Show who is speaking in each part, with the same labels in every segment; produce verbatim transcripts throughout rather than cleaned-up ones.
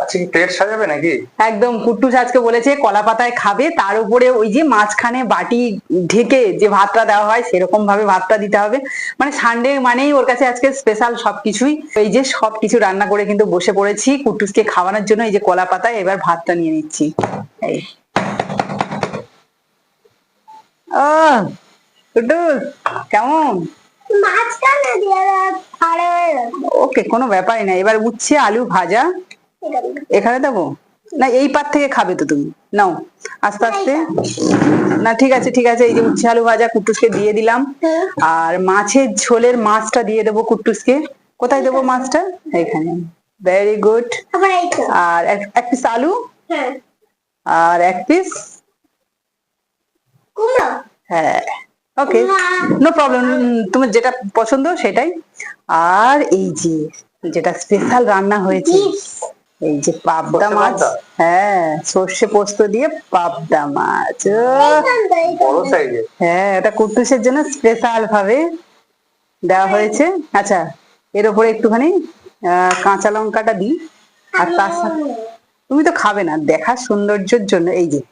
Speaker 1: আজকে কি প্লেট সাজাবে নাকি?
Speaker 2: একদম, কুট্টুস আজকে বলেছে কলা পাতায় খাবে, তার উপরে ওই যে মাঝখানে বাটি ঢেকে যে ভাতটা দেওয়া হয় সেরকম ভাবে ভাতটা দিতে হবে। মানে সানডে মানেই ওর কাছে আজকে স্পেশাল সবকিছুই। এই যে সবকিছু রান্না করে কিন্তু বসে পড়েছি কুট্টুসকে খাওয়ানোর জন্য। এই যে কলা পাতায় এবার ভাতটা নিয়ে নিচ্ছি। এই ও কুট্টুস কেমন? ওকে, কোনো ব্যাপারই না। এবার উচ্ছে আলু ভাজা এখানে দেবো না, এই পাত থেকে খাবে তো তুমি, নাও আস্তে আস্তে। না ঠিক আছে ঠিক আছে, এই যে উচ্ছে আলু ভাজা কুট্টুসকে দিয়ে দিলাম। আর মাছের ঝোলের মাছটা দিয়ে দেবো কুট্টুসকে। কোথায় দেবো মাছটা? এখানে। Very good. আর এক পিস আলু আর এক পিস হ্যাঁ, ওকে, নো প্রবলেম, তোমার যেটা পছন্দ সেটাই। আর এই যে যেটা স্পেশাল রান্না হয়েছে, এই যে পাবদা মাছ। হ্যাঁ, সর্ষে পোস্ত দিয়ে পাবদা মাছ। হ্যাঁ, এটা কুট্টুসের জন্য স্পেশাল ভাবে দেওয়া হয়েছে। আচ্ছা, এর উপরে একটুখানি আহ কাঁচা লঙ্কাটা দিই। আর তার সাথে তুমি তো খাবে না, দেখার সৌন্দর্যের জন্য এই যে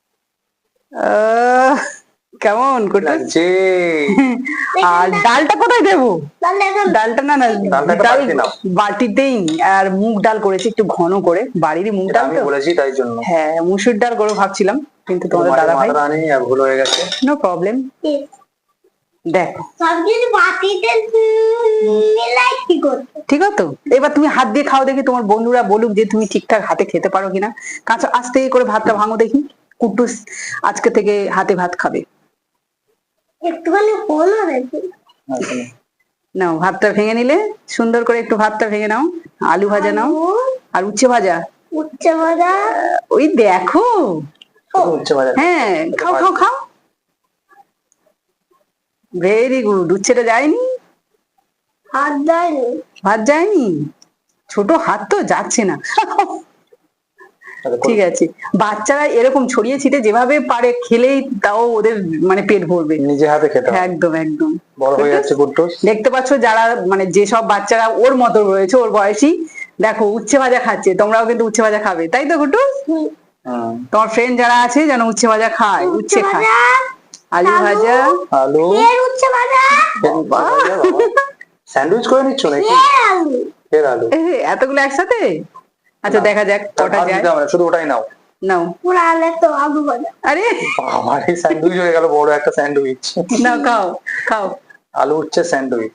Speaker 2: আহ কেমন কুট্টুস? আর ডালটা কোথায় দেবো? ডালটা না না ডাল বাটিতেই। আর মুগ ডাল করেছি একটু ঘন করে, বাড়িরই মুগ ডাল তো
Speaker 1: বলেছি তাই জন্য।
Speaker 2: হ্যাঁ, মুসুর ডাল করে ভাবছিলাম, কিন্তু তোমাদের দাদা ভাই
Speaker 1: ভুল হয়ে গেছে।
Speaker 2: No problem. দেখো ঠিক আছে তো, এবার তুমি হাত দিয়ে খাও দেখি, তোমার বন্ধুরা বলুক যে তুমি ঠিকঠাক হাতে খেতে পারো কিনা। কাঁচা আস্তে করে ভাতটা ভাঙো দেখি। কুট্টুস আজকে থেকে হাতে ভাত খাবে।
Speaker 3: একটুখানি
Speaker 2: নাও ভাতটা ভেঙে নিলে, সুন্দর করে একটু ভাতটা ভেঙে নাও। আলু ভাজা নাও আর উচ্ছে ভাজা।
Speaker 3: উচ্ছে ভাজা
Speaker 2: ওই দেখো,
Speaker 1: উচ্ছে ভাজা।
Speaker 2: হ্যাঁ খাও খাও খাও। Very good. উচ্ছেটা যায়নি?
Speaker 3: হাত যায়নি।
Speaker 2: ভাত যায়নি? ছোট হাত তো যাচ্ছে না। ঠিক আছে, বাচ্চারা এরকম ছড়িয়ে ছিটে যেভাবে পারে খেলেই তাও ওদের মানে পেট ভরবে।
Speaker 1: নিজে হাতে খেতে হবে।
Speaker 2: একদম একদম।
Speaker 1: বড় হয়ে যাচ্ছে কুট্টুস।
Speaker 2: দেখতে পাচ্ছ যারা মানে যেসব বাচ্চারা ওর মতো রয়েছে, ওর বয়সী, দেখো উচ্ছে ভাজা খাচ্ছে, তোমরাও কিন্তু উচ্ছে ভাজা খাবে, তাই তো কুট্টুস? তোমার ফ্রেন্ড যারা আছে যেন উচ্ছে ভাজা খায়, উচ্ছে খায়। আলু ভাজা,
Speaker 1: আলু,
Speaker 3: উচ্ছে ভাজা,
Speaker 1: স্যান্ডউইচ করে নিচ্ছ নাকি? ফের আলু,
Speaker 2: এতগুলো একসাথে? আচ্ছা দেখা যাক কটা যায়।
Speaker 1: শুধু ওটাই নাও।
Speaker 2: নাও
Speaker 3: পুরো আলু তো আলু ভাজা।
Speaker 2: আরে
Speaker 1: আমার এই স্যান্ডউইচ হয়ে গেল, বড় একটা স্যান্ডউইচ।
Speaker 2: নাও খাও খাও।
Speaker 1: আলু উচ্ছে স্যান্ডউইচ।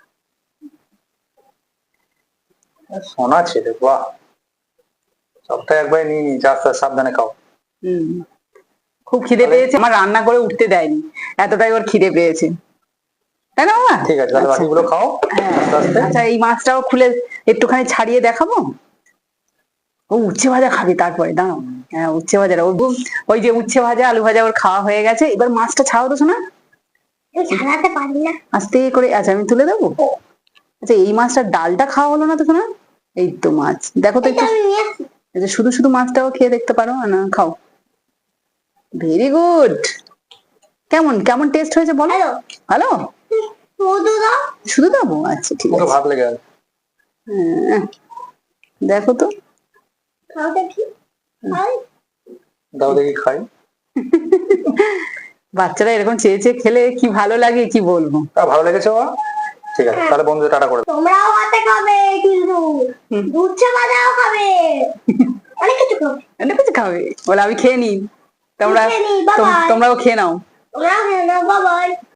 Speaker 1: সোনা ছেলে, বাহ। সপ্তাহে একবার নিয়ে নি, আস্তে সাবধানে খাও।
Speaker 2: হম, খুব খিদে পেয়েছে, আমার রান্না করে উঠতে দেয়নি, এতটাই ওর খিদে পেয়েছে, তাই না বাবা?
Speaker 1: ঠিক আছে, তাহলে বাকিগুলো খাও।
Speaker 2: আচ্ছা, এই মাছটাও খুলে একটুখানি ছাড়িয়ে দেখাবো। ও উচ্ছে ভাজা খাবে তারপরে, দাঁড়াও। হ্যাঁ, উচ্ছে ভাজাটা ওর, ওই যে উচ্ছে ভাজা আলু ভাজা ওর খাওয়া হয়ে গেছে, এবার মাছটা ছাড়াও তো শোনা।
Speaker 3: ছাড়াতে পারি না।
Speaker 2: আস্তে করে, আচ্ছা আমি তুলে দেবো। আচ্ছা, এই মাছটার ডালটা খাওয়া হলো না তো শোনা। এই তো মাছ, দেখো তো একটু, শুধু শুধু মাছটাও খেয়ে দেখতে পারো না, খাও। Very good. কেমন কেমন টেস্ট হয়েছে বলো? ভালো। শুধু দেবো? আচ্ছা ঠিক আছে,
Speaker 1: ভাত লেগে গেল।
Speaker 2: দেখো তো,
Speaker 1: দাও দেখি খাই।
Speaker 2: বাচ্চারা এরকম চেয়ে চেয়ে খেলে কি ভালো লাগে কি বলবো।
Speaker 1: তা ভালো লেগেছে বাবা? ঠিক আছে, তাহলে বন্ধুদের টাটা করে দাও।
Speaker 3: তোমরাও হাতে খাবে, কিন্তু উচ্ছে ভাজাও খাবে, অনেক কিছু খাবে।
Speaker 2: অনেক কিছু খাবে বলে আমি খেয়ে নিই, তোমরা তোমরাও খেয়ে নাও।
Speaker 3: তোমরাও খেয়ে নাও, বাই বাই।